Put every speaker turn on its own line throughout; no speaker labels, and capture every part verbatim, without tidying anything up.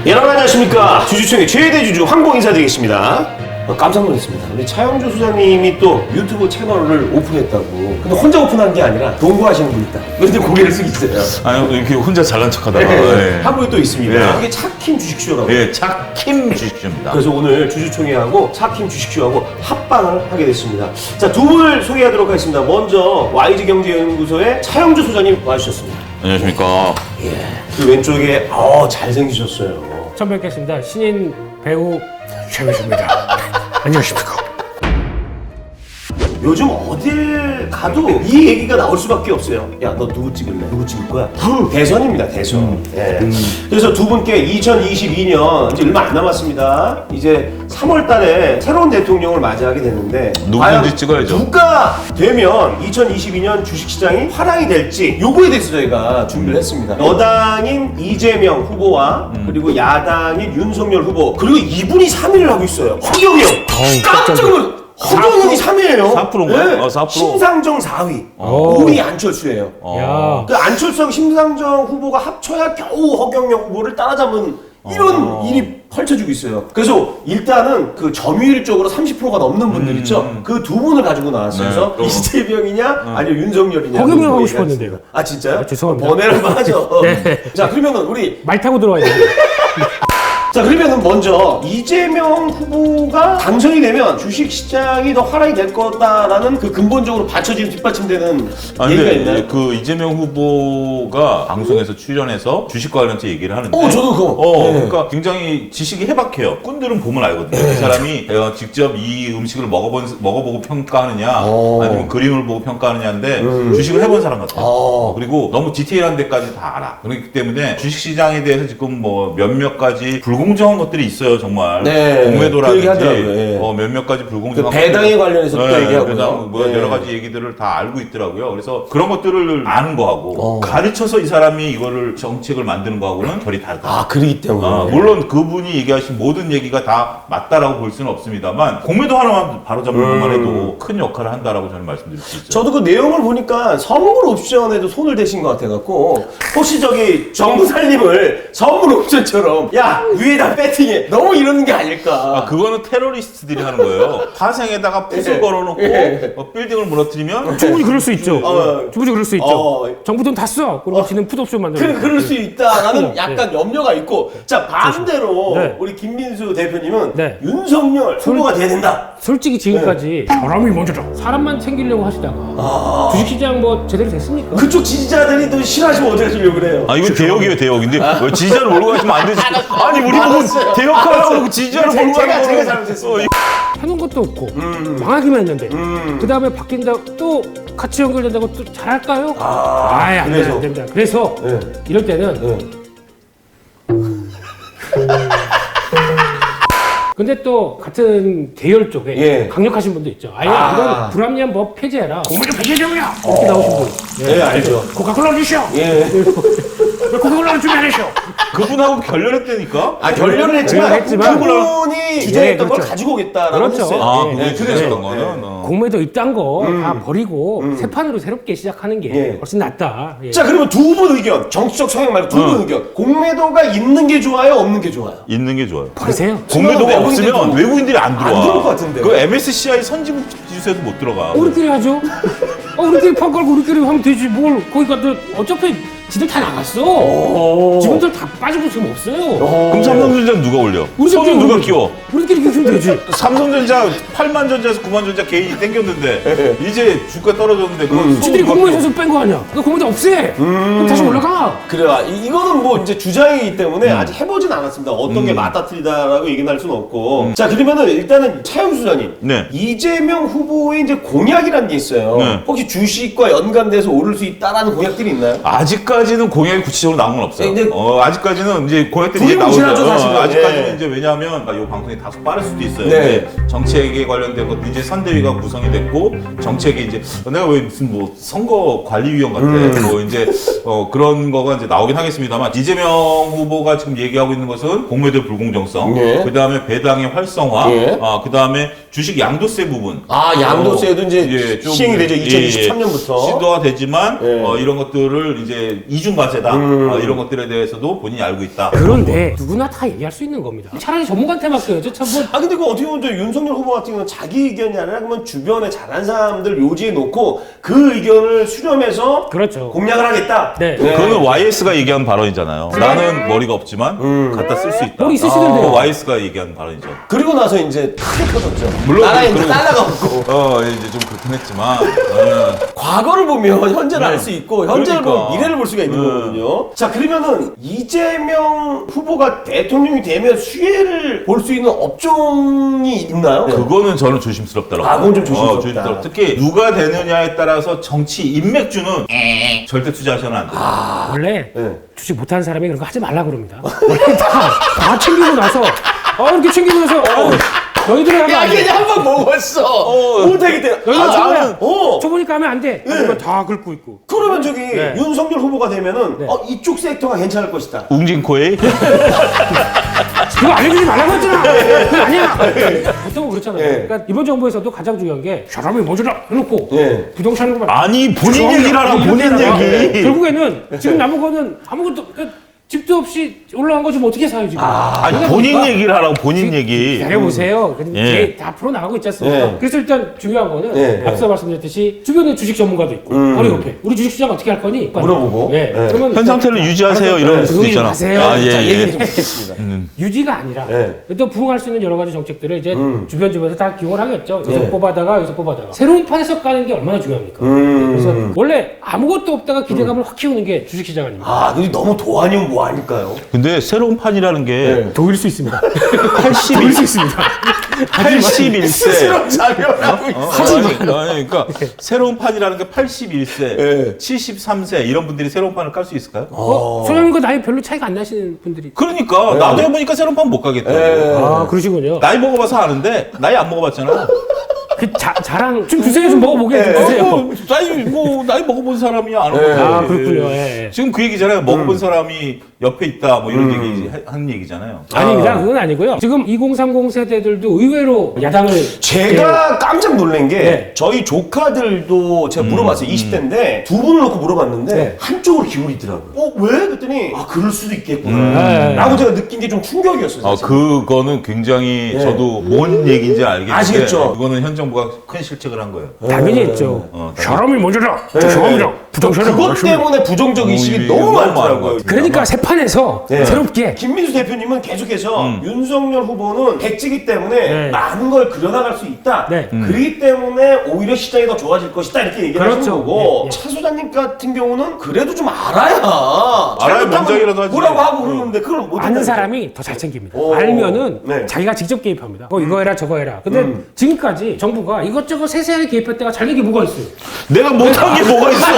여러분 안녕하십니까. 주주총회 최대 주주 황봉 인사드리겠습니다. 어, 깜짝 놀랐습니다. 우리 차영주 소장님이 또 유튜브 채널을 오픈했다고. 근데 혼자 오픈한 게 아니라 동거하시는 분 있다. 그런데 고개를 숙이세요.
아니 이렇게 혼자 잘난 척하다가
네.
네.
한 분이 또 있습니다.
네.
이게 차킴 주식쇼라고.
예, 차킴 주식주입니다.
그래서 오늘 주주총회하고 차킴 주식쇼하고 합방을 하게 됐습니다. 자, 두 분을 소개하도록 하겠습니다. 먼저 와이즈경제연구소의 차영주 소장님 와주셨습니다.
안녕하십니까.
예. 그 왼쪽에 어 잘생기셨어요.
처음 뵙겠습니다. 신인 배우 최민수입니다. 안녕하십니까.
요즘 어딜 가도 이 얘기가 나올 수밖에 없어요. 야, 너 누구 찍을래? 누구 찍을 거야? 대선입니다, 대선.
음.
예. 음. 그래서 두 분께 이천이십이 년 이제 얼마 안 남았습니다. 이제 삼월 달에 새로운 대통령을 맞이하게 됐는데
누구든지
과연
찍어야죠.
누가 되면 이천이십이 년 주식시장이 화랑이 될지 요거에 대해서 저희가 준비를
음.
했습니다. 여당인 이재명 후보와
음.
그리고 야당인 윤석열 후보 그리고 이분이 삼 위를 하고 있어요. 허경영. 깜짝 놀랐 허경영이 삼 위예요.
사 퍼센트인가요? 어, 사 퍼센트.
심상정 사 위,
오.
오 위 안철수예요.
어.
그 안철수하고 심상정 후보가 합쳐야 겨우 허경영 후보를 따라잡은 이런
어.
일이 펼쳐지고 있어요. 그래서 일단은 그 점유율 쪽으로 삼십 퍼센트가 넘는 분들 있죠. 그 두 분을 가지고 나왔어요.
네.
그래서
어.
이재명이냐 아니면 윤석열이냐.
허경영
그거
하고
얘기하겠습니다.
싶었는데요.
아 진짜요?
아, 죄송합니다.
번외를 한번 하죠.
네.
자 그러면은 우리
말 타고 들어와야 돼요.
자 그러면은 먼저 이재명 후보가 당선이 되면 주식시장이 더 화랑이 될 거다라는 그 근본적으로 받쳐지는 뒷받침되는
아,
얘기가
근데
있나요?
그 이재명 후보가 방송에서 출연해서 주식 관련해서 얘기를 하는데
어, 저도 그거.
어,
네.
그러니까 굉장히 지식이 해박해요. 꾼들은 보면 알거든요. 이 사람이 어, 직접 이 음식을 먹어본, 먹어보고 평가하느냐
어.
아니면 그림을 보고 평가하느냐인데
음.
주식을 해본 사람 같아요.
어.
그리고 너무 디테일한 데까지 다 알아. 그렇기 때문에 주식시장에 대해서 지금 뭐 몇몇 가지 불공정한 것들이 있어요, 정말.
네. 그
공매도라든지
얘기하더라고요. 예.
어, 몇몇 가지
그
불공정한
배당에
것들.
관련해서 또
네,
얘기하고요.
배당, 뭐
네.
여러 가지 얘기들을 다 알고 있더라고요. 그래서 그런 것들을 아는 거하고
어.
가르쳐서 이 사람이 이거를 정책을 만드는 거하고는 결이 다르다.
아 그러기 때문에.
아, 물론 그분이 얘기하신 모든 얘기가 다 맞다라고 볼 수는 없습니다만 공매도 하나만 바로잡는
음.
것만 해도 큰 역할을 한다라고 저는 말씀드릴 수 있죠.
저도 그 내용을 보니까 선물 옵션에도 손을 대신 것 같아갖고 혹시 저기 정부 살림을 선물 옵션처럼 야 위에다 배팅해 너무 이러는 게 아닐까.
아, 그거는 테러리스트들이 하는 거예요. 화생에다가 붓을
예.
걸어놓고
예.
어, 빌딩을 무너뜨리면
충분히 그럴 수 있죠.
어.
충분히 그럴 수 있죠.
어.
정부 돈 다 써. 그리고 지는 풋옵션 만들어.
그, 그럴 수 있다라는
네.
약간 염려가 있고 자 반대로
네.
우리 김민수 대표님은
네.
윤석열 후보가 돼야 된다.
솔직히 지금까지 사람이 먼저다. 사람만 챙기려고 하시다가
아.
주식시장 뭐 제대로 됐습니까?
그쪽 지지자들이 또 싫어하시면 어떻게 하시려고 그래요?
아 이건 대역이에요 대역. 근데 왜 지지자를 몰고 가시면 안 되지. 아니 우리 보고
알았어요.
대역하라고 그러고 지지자를
제가-
몰고 가는
제가- 제가
거는
잘못했습니다.
해놓은 것도 없고
음.
망하기만 했는데
음.
그 다음에 바뀐다 또 같이 연결된다고 또 잘할까요?
아,
아이, 안,
그래서?
돼, 안 됩니다. 그래서
네.
이럴 때는
네.
근데 또 같은 계열 쪽에
예.
강력하신 분도 있죠. 아예
아.
이건 불합리한 법 폐지해라. 공무원 폐지점이야. 이렇게 나오신 분.
예, 알죠.
코카콜라 주시오.
예.
왜 코카콜라를 준비 안 하시오?
그분하고 결렬했다니까.
아 결렬을 했지만,
결렬했지만
그분이 주장했던
예, 그렇죠.
걸 가지고 오겠다라고
그렇죠.
했어요.
아
예,
그게
예.
주장했던
그래서,
거는.
예.
어.
공매도 이딴 거 다
음.
버리고
음.
새 판으로 새롭게 시작하는 게
예.
훨씬 낫다. 예.
자 그러면 두 분 의견, 정치적 성향 말고 두 분 의견. 공매도가 있는 게 좋아요, 없는 게 좋아요?
있는 게 좋아요.
버리세요.
공매도가
외국인들도-
없으면 외국인들이 안 들어와.
안 들어올 것 같은데.
그 엠에스시아이 선진국 지수에도 못 들어가.
우리끼리 하죠. 어, 우리끼리 판 깔고 우리끼리 하면 되지. 뭘 거기 가도 어차피 지들 다 나갔어. 지금들 다 빠지고 지금 없어요.
그럼 삼성전자는 누가 올려?
우리끼리
손은 누가
우리-
끼워?
우리끼리 키우면 되지.
삼성전자 팔만 전자에서 구만 전자 개인이 땡겼는데 이제 주가 떨어졌는데 그거 손은
지들이
누가
공무원에서 뺀 거 아니야. 그 공무원 없애. 그럼 다시 올라가.
그래요. 이- 이거는 뭐 이제 주장이기 때문에 아직 해보진 않았습니다. 어떤 게 맞다 틀리다라고 얘기는 할 수는 없고. 자 그러면은 일단은 차영수 소장님.
네.
이재명 후보의 이제 공약이라는 게 있어요.
네.
혹시 주식과 연관돼서 오를 수 있다라는 공약들이 있나요?
아직까지는 공약이 구체적으로 나온 건 없어요.
네, 이제
어, 아직까지는 이제 공약들이 이제
두리뭉실하죠,
나오죠.
사실은.
아직까지는
예.
이제 왜냐하면 이 방송이 다소 빠를 수도 있어요.
네.
이제 정책에 관련된 것도 이제 선대위가 구성이 됐고 정책이 이제 내가 왜 무슨 뭐 선거 관리위원 같아.
음.
뭐 이제 어 그런 거가 이제 나오긴 하겠습니다만 이재명 후보가 지금 얘기하고 있는 것은 공매도 불공정성,
예.
그 다음에 배당의 활성화,
예.
아, 그 다음에 주식 양도세 부분.
아, 양도세도 이제
예, 좀,
시행이 되죠.
예,
이천이십삼 년부터.
시도가 되지만
예.
어, 이런 것들을 이제 이중과세다
음.
어, 이런 것들에 대해서도 본인이 알고 있다.
그런데 누구나 다 얘기할 수 있는 겁니다. 차라리 전문가한테 맡겨야죠. 참 뭐.
아 근데 그 어떻게 보면 저 윤석열 후보 같은 경우는 자기 의견이 아니라 그러면 주변에 잘한 사람들 요지에 놓고 그 의견을 수렴해서
그렇죠.
공략을 하겠다.
네.
그거는 와이에스가 얘기한 발언이잖아요. 나는 머리가 없지만 갖다 쓸 수 있다.
머리 있으시던데요.
그거 와이에스가 얘기한 발언이죠.
그리고 나서 이제 크게 터졌죠.
물론
나라에 이제
그런-
달러가 없고.
어, 이제 좀 그렇긴 했지만. 어.
과거를 보면 현재를
네.
알 수 있고 현재를
그러니까.
보면 미래를 볼 수가 있는
네.
거거든요. 자 그러면은 이재명 후보가 대통령이 되면 수혜를 볼 수 있는 업종이 있나요?
그거는 저는 조심스럽더라고요.
아, 그건 좀 조심스럽다.
어, 조심스럽다. 특히 누가 되느냐에 따라서 정치 인맥주는 절대 투자하셔는 안 돼요.
원래
네.
주식 못하는 사람이 그런 거 하지 말라 그럽니다. 원래 다, 다 챙기고 나서, 어, 이렇게 챙기고 나서, 어, 너희들이 하면
야
안 돼.
이게 한번 먹었어. 못하기 때문에.
여기
아,
나는,
나는 어.
저보니까 하면 안 돼. 그러면 다 긁고 있고.
그러면 저기
네.
윤석열 후보가 되면은
네.
어, 이쪽 섹터가 괜찮을 것이다.
웅진코에
그거 알려주지 말라고 했잖아. 그건 아니야. 보통 그렇잖아요.
예.
그러니까 이번 정부에서도 가장 중요한 게 사람이 뭐주라 해놓고
예.
부동산으로만.
아니 본인
죄송합니다.
얘기라라 본인
이렇게
얘기.
결국에는 지금 남은 거는 아무것도 그 집도 없이 올라간 거 좀 어떻게 사요 지금?
아니
그러다
본인
보니까
얘기를 하라고 본인 얘기.
기다려보세요. 근데
예.
이게 다 풀어 나가고 있지 않습니까?
예.
그래서 일단 중요한 거는
예.
앞서 말씀드렸듯이 주변에 주식 전문가도 있고
음.
바로 옆에 우리 주식시장 어떻게 할 거니?
물어보고.
예.
예.
그러면
현 상태를 유지하세요
알아서
이럴 수도
조용히
있잖아.
하세요.
아, 예,
자,
예.
얘기를 좀 듣겠습니다.
유지가 아니라
예.
또 부응할 수 있는 여러 가지 정책들을 이제
음.
주변 주변에서 다 기용을 하겠죠. 여기서
예.
뽑아다가 여기서 뽑아다가 새로운 판에서 까는 게 얼마나 중요합니까?
음.
그래서 원래 아무것도 없다가 기대감을 확 키우는 게 주식시장 아닙니까?
아, 근데 너무 도안이면 뭐 아닐까요?
근데 새로운 판이라는 게
네.
도일 수 있습니다.
팔십일
도일 수 있습니다.
팔십일 세.
스스로 자명하고 있어.
하지만 아니, 그러니까 새로운 판이라는 게 팔십일 세,
예.
칠십삼 세 이런 분들이 새로운 판을 깔 수 있을까요?
어, 소장님과 나이 별로 차이가 안 나시는 분들이.
그러니까 나도 해보니까 새로운 판 못 가겠다.
예.
아, 그러시군요.
나이 먹어봐서 아는데 나이 안 먹어봤잖아.
그 자, 자랑 좀 주세요. 좀 먹어보게 좀
예.
주세요.
어, 나이 뭐 나이 먹어본 사람이 안
예.
먹어.
아, 그렇군요. 예, 예.
지금 그 얘기잖아요. 먹어본 사람이 옆에 있다 뭐 이런 얘기 하는 얘기잖아요.
아닙니다. 그건 아니고요. 지금 이공삼공 세대들도 의외로 야당을
제가 깜짝 놀란 게
네.
저희 조카들도 제가 물어봤어요. 이십 대인데 두 분을 놓고 물어봤는데
네.
한쪽으로 기울이더라고요. 어, 왜? 그랬더니 아, 그럴 수도 있겠구나.
네.
라고 제가 느낀 게 좀 충격이었어요.
아,
사실.
그거는 굉장히
예.
저도 뭔 얘기인지 알겠는데
아시겠죠?
이거는 현 정부가 큰 실책을 한 거예요.
당연히 있죠.
어, 당연히.
사람이 먼저다.
네.
죄송합니다. 부동산은
그것
맞습니다.
때문에 부정적 의식이
어,
너무
너무 많은
많더라고요.
것
그러니까 새 판에서
네.
새롭게
김민수 대표님은 계속해서
음.
윤석열 후보는 백지기 때문에
네.
많은 걸 그려나갈 수 있다.
네.
음.
그렇기 때문에 오히려 시장이 더 좋아질 것이다. 이렇게 얘기를 하시는
그렇죠.
거고
예, 예.
차 소장님 같은 경우는 그래도 좀 알아야
알아야
잘못하면
명작이라도 하지.
뭐라고 하고
음.
그러는데 그걸 못
아는 사람이 더 잘 챙깁니다.
오.
알면은
네.
자기가 직접 개입합니다. 어, 이거 해라 저거 해라. 근데
음.
지금까지 정부가 이것저것 세세하게 개입할 때가 잘된 게 뭐가 있어요?
내가 못한 게 뭐가 있어?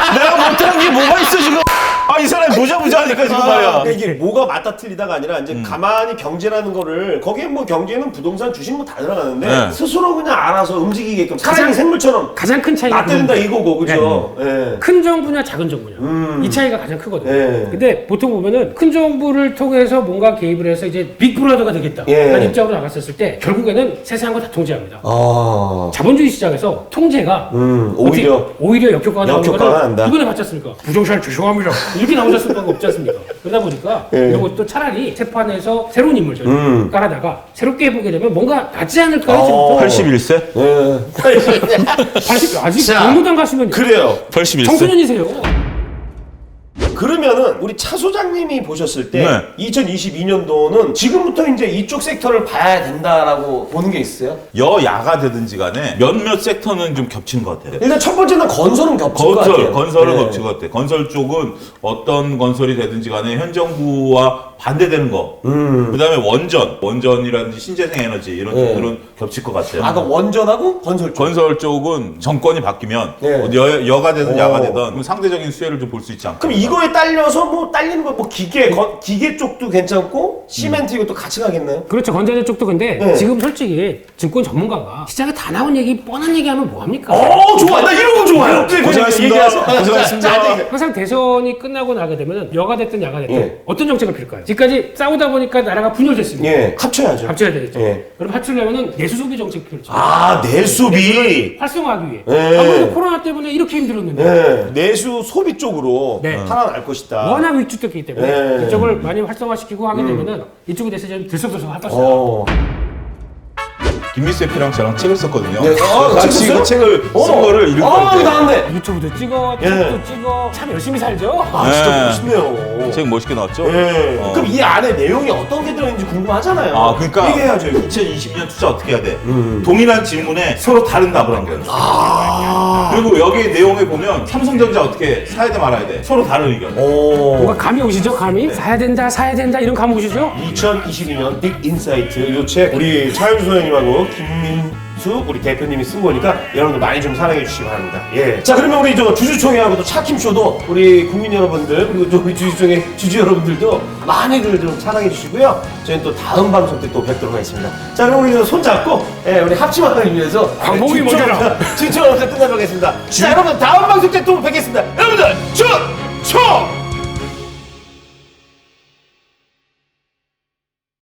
내가 못한 게 뭐가 있어 지금? 아 이 사람이 무자무자하니까 지금 말이야.
그러니까 이게 뭐가 맞다 틀리다가 아니라 이제 가만히 경제라는 거를 거기에 뭐 경제는 부동산 주식 뭐 다 들어가는데
네.
스스로 그냥 알아서 움직이게끔 사람이
가장-
생물처럼
가장 큰 차이가
놔대는다
그겁니다.
이거고 그죠? 예.
큰 정부냐 작은 정부냐
음.
이 차이가 가장 크거든요.
예.
근데 보통 보면은 큰 정부를 통해서 뭔가 개입을 해서 이제 빅브라더가 되겠다
예.
라는 입장으로 나갔었을 때 결국에는 세세한 거 다 통제합니다.
아,
자본주의 시장에서 통제가
음,
어떻게-
오히려
오히려 역효과가 나오는
역효과가
거는
난다.
이번에 봤지 않습니까? 부정산 죄송합니다. 이렇게 나오셨을 수가 없지 않습니까? 그러다 보니까
예.
이런 것도 차라리 재판에서 새로운 인물들
음.
깔아다가 새롭게 해보게 되면 뭔가 낫지 않을까요?
어.
지금부터?
팔십일 세?
예.
팔십 아직
자,
공무당 가시면
그래요.
팔십일 세?
청소년이세요.
그러면은 우리 차 소장님이 보셨을 때
네.
이천이십이 년도는 지금부터 이제 이쪽 섹터를 봐야 된다라고 보는 게 있어요.
여야가 되든지 간에 몇몇 섹터는 좀 겹친 것 같아요.
일단 첫 번째는 건설은 겹칠 것
건설,
같아요.
건설은
네.
겹친 것 같아요. 건설 쪽은 어떤 건설이 되든지 간에 현 정부와 반대되는 거.
음.
그 다음에 원전, 원전이라든지 신재생 에너지 이런
네.
쪽들은 겹칠 것 같아요.
아까 원전하고 건설 쪽.
건설 쪽은 정권이 바뀌면
네.
여, 여가 되든
오.
야가 되든 그럼 상대적인 수혜를 좀 볼 수 있지 않을까.
그럼 이거에 딸려서 뭐 딸리는 거 뭐 기계 건, 기계 쪽도 괜찮고 시멘트 이것도 같이 가겠나요?
그렇죠. 건자재 쪽도 근데
네.
지금 솔직히 증권 전문가가 시장에 다 나온 얘기 뻔한 얘기하면 뭐합니까?
어, 좋아. 나 이런 거 좋아요.
고생하셨습니다.
얘기하세요.
고생하셨습니다.
자, 자, 자,
항상 대선이 끝나고 나게 되면 여가 됐든 야가 됐든
예.
어떤 정책을 필까요? 지금까지 싸우다 보니까 나라가 분열됐습니다.
예, 합쳐야죠.
합쳐야 되겠죠.
예.
그럼 합치려면은 내수 소비 정책 필요죠.
아, 내수비.
활성화하기 위해.
예.
아무래도 코로나 때문에 이렇게 힘들었는데
네. 내수 소비 쪽으로
네.
살아날 것이다.
워낙 위축됐기 때문에
네.
이쪽을 많이 활성화시키고 하게 되면은 이쪽에 대해서 좀 들썩들썩 할 것이다.
어.
김미수 에프랑 저랑 책을 썼거든요.
네. 어,
같이
책 썼어요?
그 책을
어.
쓴 거를 읽을
아,
건데.
나왔네.
유튜브도 찍어,
예.
책도 찍어, 참 열심히 살죠.
아, 진짜
네.
멋있네요.
책 멋있게 나왔죠?
예.
어.
그럼 이 안에 내용이 어떤 게 들어있는지 궁금하잖아요.
아, 그러니까
얘기해야죠, 이거.
이천이십 년 투자 어떻게 해야 돼? 동일한 질문에 서로 다른 답을 한 거예요.
아.
그리고 여기 내용에 보면 삼성전자 어떻게 사야 돼 말아야 돼? 서로 다른 의견.
뭔가
오.
감이 오시죠? 감이? 사야 된다, 사야 된다 이런 감 오시죠?
이천이십이 년 빅 인사이트 이 책 우리 차윤수 소장님하고 김민수 우리 대표님이 쓴 거니까 여러분들 많이 좀 사랑해 주시기 바랍니다. 예. 자, 그러면 우리 저 주주총회하고 또 차킴쇼도 우리 국민 여러분들 그리고 또 우리 주주총회 주주 여러분들도 많이들 좀 사랑해 주시고요. 저희는 또 다음 방송 때 또 뵙도록 하겠습니다. 자, 그럼 우리 손 잡고 예, 우리 합치만을 위해서
광복이 먼저라.
주주총회 끝나도록 하겠습니다. 자, 여러분 다음 방송 때 또 뵙겠습니다. 여러분들 주총